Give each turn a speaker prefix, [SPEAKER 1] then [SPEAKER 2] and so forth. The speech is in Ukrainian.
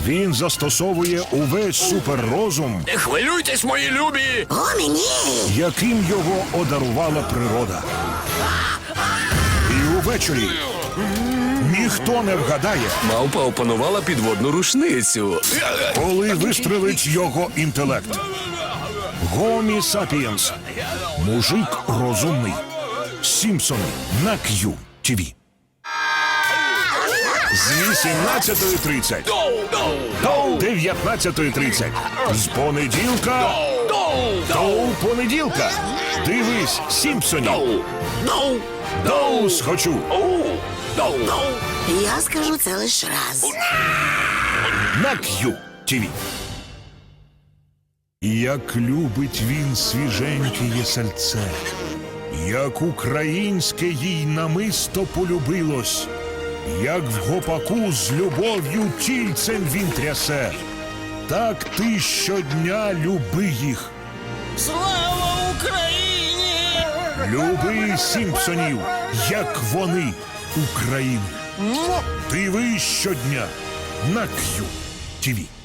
[SPEAKER 1] Він застосовує увесь суперрозум,
[SPEAKER 2] Не хвилюйтесь, мої любі!
[SPEAKER 3] О, мені!
[SPEAKER 1] яким його одарувала природа. І увечері ніхто не вгадає,
[SPEAKER 2] Мавпа опанувала підводну рушницю.
[SPEAKER 1] коли вистрелить його інтелект. Гомі Сапієнс. Мужик розумний. Сімпсони на QTV. З 18:30 до 19:30. З понеділка до понеділка. Дивись Сімпсонів. Доус хочу.
[SPEAKER 3] Я скажу це лише раз.
[SPEAKER 1] На QTV. Як любить він свіженьке сальце, як українське їй намисто полюбилось, як в гопаку з любов'ю тільцем він трясе, так ти щодня люби їх.
[SPEAKER 4] Слава Україні!
[SPEAKER 1] Люби Сімпсонів, як вони України. Дивись щодня на QTV.